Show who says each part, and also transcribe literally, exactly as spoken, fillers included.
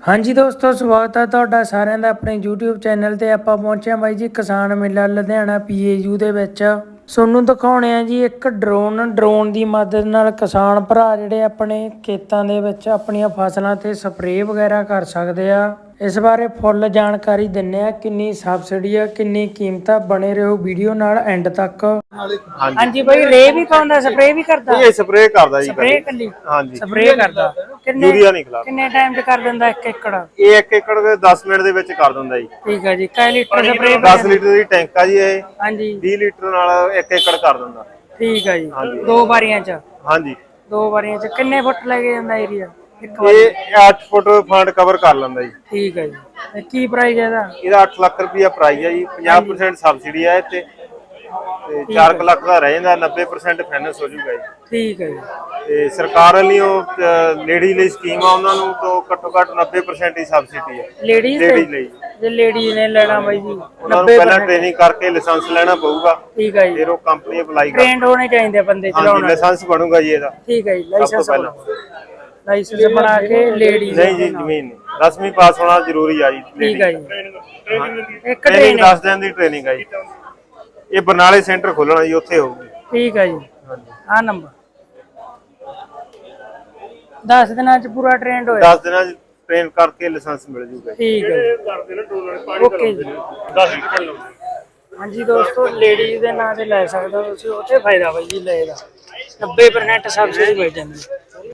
Speaker 1: हाँ जी दोस्तों, स्वागत है तुहाडा सारिਆਂ ਦਾ ਆਪਣੇ YouTube ਚੈਨਲ ਤੇ। ਆਪਾਂ ਪਹੁੰਚੇ ਹਾਂ ਬਾਈ ਜੀ ਕਿਸਾਨ ਮੇਲਾ ਲੁਧਿਆਣਾ ਪੀਏਯੂ ਦੇ ਵਿੱਚ। ਤੁਹਾਨੂੰ ਦਿਖਾਉਣੇ ਆ ਜੀ ਇੱਕ ਡਰੋਨ ਡਰੋਨ ਦੀ ਮਦਦ ਨਾਲ ਕਿਸਾਨ ਭਰਾ ਜਿਹੜੇ ਆਪਣੇ ਖੇਤਾਂ ਦੇ ਵਿੱਚ ਆਪਣੀਆਂ ਫਸਲਾਂ ਤੇ ਸਪਰੇਅ ਵਗੈਰਾ ਕਰ ਸਕਦੇ ਆ। ਇਸ ਬਾਰੇ ਫੁੱਲ ਜਾਣਕਾਰੀ ਦਿੰਨੇ ਆ, ਕਿੰਨੀ ਸਬਸਿਡੀ ਆ, ਕਿੰਨੀ ਕੀਮਤ ਆ। ਬਣੇ ਰਹੋ ਵੀਡੀਓ ਨਾਲ ਐਂਡ ਤੱਕ। ਹਾਂਜੀ ਬਾਈ, ਰੇ ਵੀ ਪਾਉਂਦਾ, ਸਪਰੇਅ ਵੀ ਕਰਦਾ?
Speaker 2: ਇਹ ਸਪਰੇਅ ਕਰਦਾ ਜੀ,
Speaker 1: ਸਪਰੇਅ ਕੱਲੀ?
Speaker 2: ਹਾਂਜੀ
Speaker 1: ਸਪਰੇਅ ਕਰਦਾ। ਕਿੰਨੇ
Speaker 2: ਯੂਰੀਆ ਨਹੀਂ ਖਿਲਾਫ।
Speaker 1: ਕਿੰਨੇ ਟਾਈਮ 'ਚ ਕਰ ਦਿੰਦਾ ਇੱਕ ਏਕੜ?
Speaker 2: ਇਹ ਇੱਕ ਏਕੜ ਦੇ ਦਸ ਮਿੰਟ ਦੇ ਵਿੱਚ ਕਰ ਦਿੰਦਾ ਜੀ।
Speaker 1: ਠੀਕ ਹੈ ਜੀ। ਕੈ ਲੀਟਰ ਸਪਰੇਅ?
Speaker 2: ਦਸ ਲੀਟਰ ਦੀ ਟੈਂਕ ਆ ਜੀ ਇਹ।
Speaker 1: ਹਾਂਜੀ।
Speaker 2: ਵੀਹ ਲੀਟਰ ਨਾਲ ਇੱਕ ਏਕੜ ਕਰ ਦਿੰਦਾ।
Speaker 1: ਠੀਕ ਹੈ ਜੀ। ਦੋ ਵਾਰੀਆਂ 'ਚ?
Speaker 2: ਹਾਂਜੀ,
Speaker 1: ਦੋ ਵਾਰੀਆਂ 'ਚ। ਕਿੰਨੇ ਫੁੱਟ ਲੈ ਕੇ ਜਾਂਦਾ ਏਰੀਆ ਇੱਕ
Speaker 2: ਵਾਰੀ? ਇਹ ਅੱਠ ਫੁੱਟ ਫੰਡ ਕਵਰ ਕਰ ਲੈਂਦਾ ਜੀ।
Speaker 1: ਠੀਕ ਹੈ ਜੀ। ਤੇ ਕੀ ਪ੍ਰਾਈਸ ਹੈ ਇਹਦਾ?
Speaker 2: ਇਹਦਾ ਅੱਠ ਲੱਖ ਰੁਪਇਆ ਪ੍ਰਾਈਸ ਹੈ ਜੀ। ਪੰਜਾਹ ਪਰਸੈਂਟ ਸਬਸਿਡੀ ਹੈ ਤੇ ਤੇ ਚਾਰ ਲੱਖ ਦਾ ਰਹਿ ਜਾਂਦਾ, ਨੱਬੇ ਪਰਸੈਂਟ ਫਾਈਨੈਂਸ ਹੋ ਜਾਊਗਾ ਜੀ।
Speaker 1: ਠੀਕ ਹੈ ਜੀ।
Speaker 2: ਤੇ ਸਰਕਾਰ ਵੱਲੋਂ ਲੇਡੀ ਲਈ ਸਕੀਮ ਆ, ਉਹਨਾਂ ਨੂੰ ਤੋਂ ਘੱਟੋ ਘੱਟ ਨੱਬੇ ਪਰਸੈਂਟ ਹੀ ਸਬਸਿਡੀ ਹੈ
Speaker 1: ਲੇਡੀਜ਼
Speaker 2: ਲਈ।
Speaker 1: ਜੇ ਲੇਡੀਜ਼ ਨੇ ਲੈਣਾ ਬਾਈ ਜੀ,
Speaker 2: ਉਹਨਾਂ ਨੂੰ ਪਹਿਲਾਂ ਟ੍ਰੇਨਿੰਗ ਕਰਕੇ ਲਾਇਸੈਂਸ ਲੈਣਾ ਪਊਗਾ।
Speaker 1: ਠੀਕ ਹੈ ਜੀ।
Speaker 2: ਫਿਰ ਉਹ ਕੰਪਨੀ ਅਪਲਾਈ ਕਰ
Speaker 1: ਟ੍ਰੇਨਡ ਹੋਣੇ ਚਾਹੀਦੇ ਬੰਦੇ ਚਲਾਉਣ।
Speaker 2: ਲਾਇਸੈਂਸ ਬਣੂਗਾ ਜੀ ਇਹਦਾ।
Speaker 1: ਠੀਕ ਹੈ ਜੀ। ਲਾਇਸੈਂਸ ਪਹਿਲਾਂ ਲਾਇਸੈਂਸ ਬਣਾ ਕੇ ਲੇਡੀਜ਼
Speaker 2: ਨਹੀਂ ਜੀ, ਜ਼ਮੀਨ ਦਸਵੀਂ ਪਾਸ ਹੋਣਾ ਜ਼ਰੂਰੀ ਆ ਜੀ।
Speaker 1: ਠੀਕ ਹੈ ਜੀ।
Speaker 2: ਇੱਕ ਟ੍ਰੇਨਿੰਗ ਦਸ ਦਿਨ ਦੀ ਟ੍ਰੇਨਿੰਗ ਆ ਜੀ। ਇਹ ਬਰਨਾਲੇ ਸੈਂਟਰ ਖੋਲਣਾ ਜੀ, ਉੱਥੇ ਹੋਊਗੀ।
Speaker 1: ਠੀਕ ਹੈ ਜੀ। ਆਹ ਨੰਬਰ ਦਸ ਦਿਨਾਂ ਚ ਪੂਰਾ ਟ੍ਰੇਨਡ ਹੋਇਆ?
Speaker 2: ਦਸ ਦਿਨਾਂ ਚ ਟ੍ਰੇਨ ਕਰਕੇ ਲਾਇਸੈਂਸ ਮਿਲ ਜੂਗਾ।
Speaker 1: ਠੀਕ ਹੈ। ਓਕੇ ਜੀ। ਹਾਂਜੀ ਦੋਸਤੋ, ਲੇਡੀਜ਼ ਦੇ ਨਾਂ ਤੇ ਲੈ ਸਕਦੇ ਹੋ ਤੁਸੀਂ, ਉੱਥੇ ਫਾਇਦਾ ਬਾਈ ਜੀ ਲੈ ਦਾ। ਨੱਬੇ ਪਰਸੈਂਟ ਸਬਸਿਡੀ ਮਿਲ ਜਾਂਦੀ।